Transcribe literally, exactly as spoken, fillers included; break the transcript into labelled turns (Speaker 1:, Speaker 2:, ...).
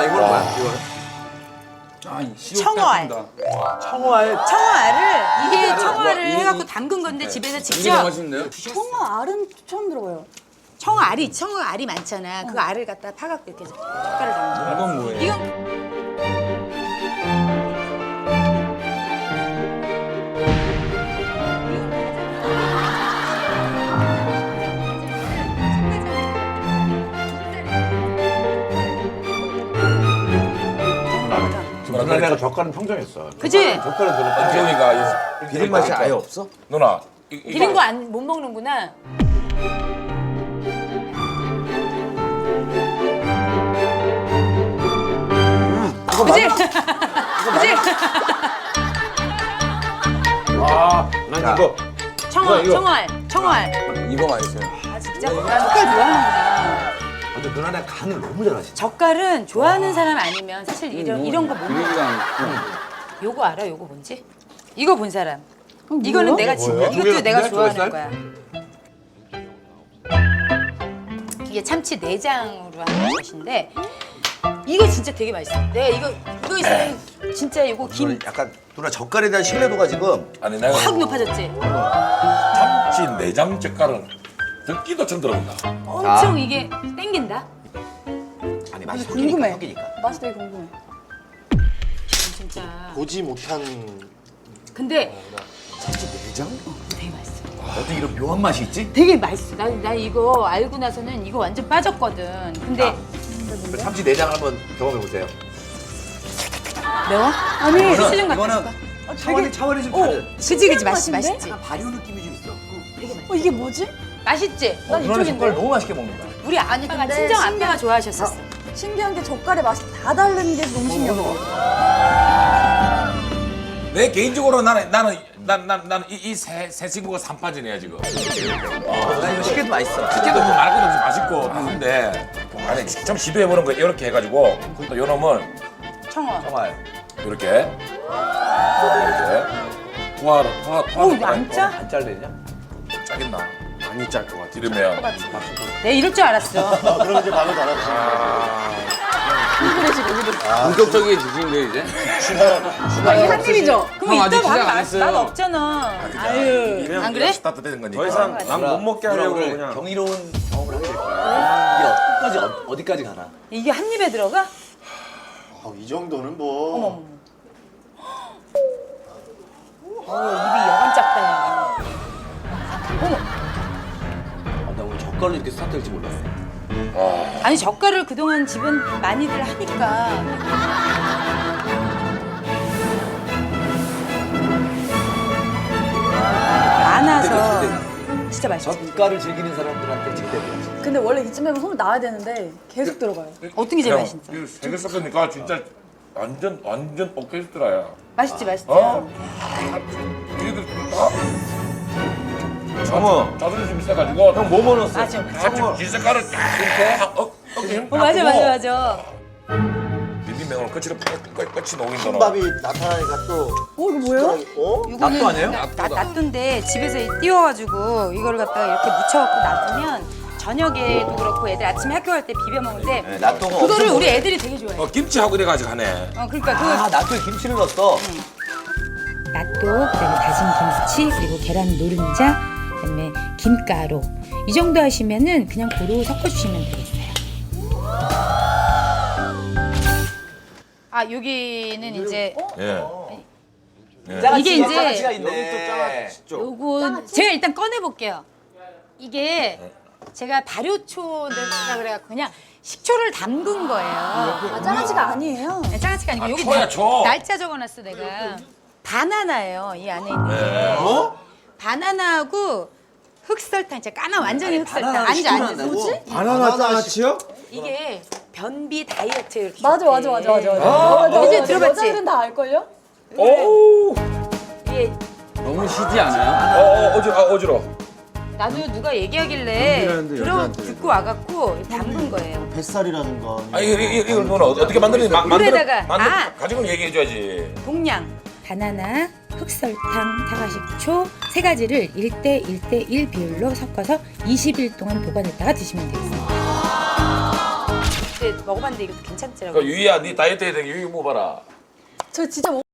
Speaker 1: 이거는 뭐야? 이거는?
Speaker 2: 청어알.
Speaker 1: 청어알.
Speaker 2: 청어알을 이게
Speaker 1: 와,
Speaker 2: 청어알을
Speaker 1: 이-
Speaker 2: 해갖고
Speaker 1: 이-
Speaker 2: 담근 건데
Speaker 1: 네.
Speaker 2: 집에서
Speaker 1: 이게 더
Speaker 2: 직접
Speaker 1: 맛있는데요?
Speaker 3: 청어알은 처음 들어봐요.
Speaker 2: 청어알이 청어알이 많잖아. 그 알을 갖다 파갖고 이렇게 젓갈을 담는 거.
Speaker 1: 이건 뭐예요?
Speaker 2: 이건
Speaker 4: 누나네가 젓갈은 평정했어.
Speaker 2: 그지?
Speaker 4: 젓갈은 들었다.
Speaker 1: 재훈이가 비린 맛이 아예 없어? 누나. 이- 이거-
Speaker 2: 비린 거 안 못 먹는구나. 그지? 그지?
Speaker 4: 아, 난 이거.
Speaker 2: 청어,
Speaker 4: 이거.
Speaker 2: 청어알, 청어알.
Speaker 1: 이거 맛있어요.
Speaker 2: 아 진짜 난 젓갈 좋아하는구나.
Speaker 4: 근데 누나네 간을 너무 잘하시네.
Speaker 2: 젓갈은 좋아하는 사람 아니면 사실 이런 이런 거 못 먹어. 요거 알아? 요거 뭔지? 이거 본 사람. 이거는 내가 진
Speaker 4: 뭐예요?
Speaker 2: 이것도 내가
Speaker 4: 조개살?
Speaker 2: 좋아하는
Speaker 4: 조개살?
Speaker 2: 거야. 이게 참치 내장으로 하는 것인데 이거 진짜 되게 맛있어. 내가 이거 이거 있으면 진짜 이거 김
Speaker 5: 이거는 약간 누나 젓갈에 대한 신뢰도가 지금
Speaker 1: 아니 내가
Speaker 2: 확 높아졌지.
Speaker 6: 참치 내장 젓갈은 듣기도 좀 들어본다.
Speaker 2: 엄청 이게 땡긴다.
Speaker 5: 아니 맛이
Speaker 3: 궁금해.
Speaker 5: 섞이니까.
Speaker 3: 맛이 되게 궁금해.
Speaker 2: 진짜.
Speaker 7: 보지 못한
Speaker 2: 근데
Speaker 1: 내장?
Speaker 2: 되게 맛있어.
Speaker 5: 어떻게 이런 묘한 맛이 있지?
Speaker 2: 되게 맛있어. 나, 나 이거 알고 나서는 이거 완전 빠졌거든. 근데
Speaker 5: 그 참치 내장 한번 경험해 보세요.
Speaker 2: 매워?
Speaker 3: 아니,
Speaker 2: 수준 같아.
Speaker 5: 이거는 차원이 차원이 좀 다른.
Speaker 2: 그지 그지 맛있
Speaker 3: 맛인데?
Speaker 2: 맛있지.
Speaker 5: 약간 발효 느낌이 좀 있어.
Speaker 3: 어, 이게 뭐지?
Speaker 2: 맛있지.
Speaker 5: 어, 누나는 젓갈 너무 맛있게 먹는다.
Speaker 2: 우리 아빠가
Speaker 3: 근데
Speaker 2: 친정
Speaker 3: 신기한-
Speaker 2: 아빠가 좋아하셨었어.
Speaker 3: 신기한 게 젓갈의 맛이 다 다른 게 너무 신기해.
Speaker 6: 내 개인적으로 나는 나는 난, 난, 나는 이세 세 친구가 산파전이야 지금.
Speaker 5: 나 이거 식혜도 맛있어.
Speaker 6: 특히도 뭐 말 것도 없이 맛있고 한데 아니 좀 시도해보는 거 이렇게 해가지고 또 요놈은
Speaker 2: 청어.
Speaker 5: 정말.
Speaker 6: 이렇게 이렇게 투하를 투하 투하.
Speaker 2: 오, 이거 안 짜?
Speaker 5: 안 잘리냐?
Speaker 6: 짜겠나?
Speaker 1: 많이 짤 것 같아.
Speaker 6: 이러면
Speaker 2: 내가 이럴 줄 알았어.
Speaker 7: 그럼 이제 마음을 달았지.
Speaker 1: 본격적이해지신데 이제?
Speaker 3: 아, 이게 한 입이죠?
Speaker 2: 그럼
Speaker 1: 아직
Speaker 2: 이따
Speaker 1: 시작 안
Speaker 2: 밥
Speaker 1: 했어요.
Speaker 2: 맛 없잖아. 아유. 안 그래?
Speaker 6: 스타트되는 거니까.
Speaker 4: 더 이상 난 못 먹게 하려고
Speaker 5: 오늘
Speaker 4: 그냥.
Speaker 5: 경이로운 경험을 하게 될 거야. 이게 어디까지 어- 어디까지 가나?
Speaker 2: 이게 한 입에 들어가?
Speaker 7: 아, 이 정도는 뭐.
Speaker 2: 어머. 어, 입이 여간 작다. 야.
Speaker 5: 아, 나 오늘 젓갈로 이렇게 스타트할지 몰랐어.
Speaker 2: 아니 젓갈을 그동안 집은 많이들 하니까. 많아서 진짜 맛있어.
Speaker 5: 젓갈을 즐기는 사람들한테 제대로지.
Speaker 3: 근데 원래 이쯤 되면 손을 놔야 되는데 계속 들어가요.
Speaker 2: 어떤 게 제일 맛있어?
Speaker 6: 세개 섞으니까 진짜 완전 완전 오케스트라야.
Speaker 2: 맛있지 맛있지.
Speaker 6: 어? 이들 다
Speaker 4: 어머,
Speaker 6: 자존심 있어가지고
Speaker 4: 형 뭐 넣었어?
Speaker 2: 맞아.
Speaker 6: 같이 긴 색깔을 딱 어, 어깨
Speaker 2: 어, 맞아 맞아 맞아.
Speaker 6: 비빔면으로 끝으로 끝이 녹인다는.
Speaker 7: 밥이 나타나니까 또.
Speaker 3: 어, 이거 뭐예요?
Speaker 7: 어?
Speaker 5: 낫도 아니에요?
Speaker 2: 나 놔둔데 집에서 띄워가지고 이거를 갖다가 이렇게 묻혀갖고 놔두면 저녁에도 그렇고 애들 아침에 학교 갈 때 비벼 먹는데
Speaker 5: 네, 낫또가
Speaker 2: 그거를
Speaker 5: 엄청
Speaker 2: 우리 애들이 되게 좋아해.
Speaker 6: 어 김치하고 이래가지고 하네.
Speaker 2: 어 그러니까 그
Speaker 5: 아, 낫또에 김치를 넣었어.
Speaker 2: 낫또, 그다음에 다진 김치, 그리고 계란 노른자, 그다음에 김가루 이 정도 하시면은 그냥 고루 섞어주시면 되겠어요. 아 여기는 이제
Speaker 6: 예.
Speaker 2: 이게 이제
Speaker 5: 짜가치가 있네.
Speaker 2: 요거 제가 일단 꺼내 볼게요. 이게 제가 발효초라 그래갖고 그냥 식초를 담근 거예요.
Speaker 3: 아, 짜가지가 아니에요.
Speaker 2: 네, 장아찌가 아니고 여기
Speaker 6: 초야,
Speaker 2: 날-
Speaker 6: 초.
Speaker 2: 날짜 적어놨어 내가. 바나나예요 이 안에 있는 게.
Speaker 6: 네.
Speaker 2: 바나나하고 흑설탕, 진짜 까만 완전히 흑설탕.
Speaker 5: 바나나를
Speaker 2: 앉아 앉아.
Speaker 5: 시켜놨다고?
Speaker 4: 바나나 장아찌요?
Speaker 2: 이게 변비 다이어트 이렇게.
Speaker 3: 맞아, 맞아, 맞아, 맞아. 맞아.
Speaker 4: 아,
Speaker 3: 맞아,
Speaker 2: 이제
Speaker 3: 맞아.
Speaker 2: 들어봤지?
Speaker 3: 여자들은 다 알걸요?
Speaker 6: 오.
Speaker 2: 이게
Speaker 1: 너무 시지 않아요?
Speaker 6: 어, 어 어지러 아, 어지러.
Speaker 2: 나도 누가 얘기하길래
Speaker 4: 변비라는데
Speaker 2: 들어
Speaker 4: 여자한테.
Speaker 2: 듣고 와갖고 담근 거예요.
Speaker 7: 뱃살이라든가.
Speaker 6: 아 이거 이거 이걸 누나 어떻게 만드는지 마- 만들어
Speaker 2: 물에다가,
Speaker 6: 만들
Speaker 2: 아.
Speaker 6: 가지고 얘기해줘야지.
Speaker 2: 동량. 바나나, 흑설탕, 사과식초 세 가지를 일 대 일 대 일 비율로 섞어서 이십 일 동안 보관했다가 드시면 되겠습니다. 어제 먹어봤는데 이것도 괜찮더라고.
Speaker 6: 그 유이야 네 다이어트 해야 되니까 유이 먹어봐라.
Speaker 3: 저 진짜